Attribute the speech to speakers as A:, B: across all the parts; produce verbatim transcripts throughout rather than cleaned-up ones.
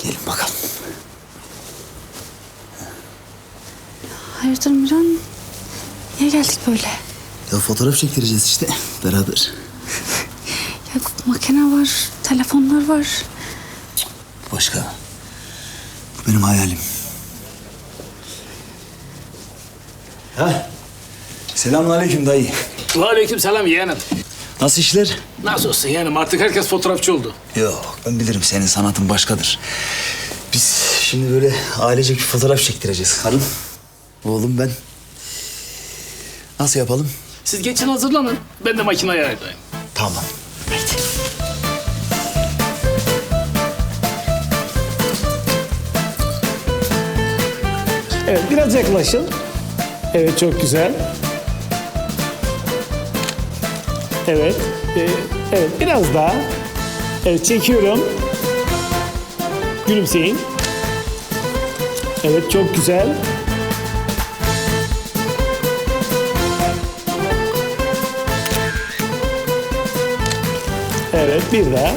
A: Gelin bakalım.
B: Hayırdır Miran? Niye geldik böyle?
A: Ya fotoğraf çektireceğiz işte beraber.
B: Ya makine var, telefonlar var.
A: Başka. Bu benim hayalim. Ha? Selamünaleyküm dayı.
C: Aleykümselam yeğenim.
A: Nasıl işler?
C: Nasıl olsun yeğenim, artık herkes fotoğrafçı oldu.
A: Yok, ben bilirim senin sanatın başkadır. Biz şimdi böyle ailecek bir fotoğraf çektireceğiz. Karım, oğlum ben. Nasıl yapalım?
C: Siz geçin hazırlanın, ben de makineye ayarlayayım.
A: Tamam. Haydi.
D: Evet, biraz yaklaşın. Evet, çok güzel. Evet, e, evet biraz daha. Evet, çekiyorum. Gülümseyin. Evet, çok güzel. Evet, bir daha.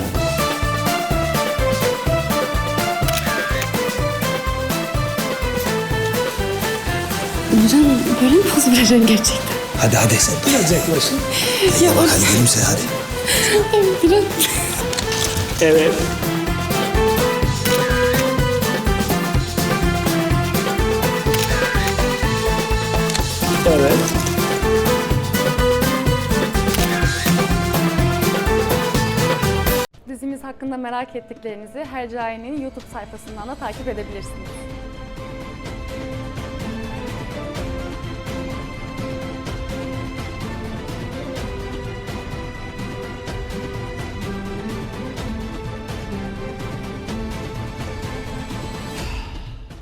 B: Miran böyle mi poz vereceksin gerçekten?
A: Hadi hadi sen.
D: Biraz yaklaşın.
B: Ya
A: Bak hadi gülümse hadi.
B: Miran.
D: Evet. Evet.
E: Dizimiz hakkında merak ettiklerinizi Hercai'nin YouTube sayfasından da takip edebilirsiniz.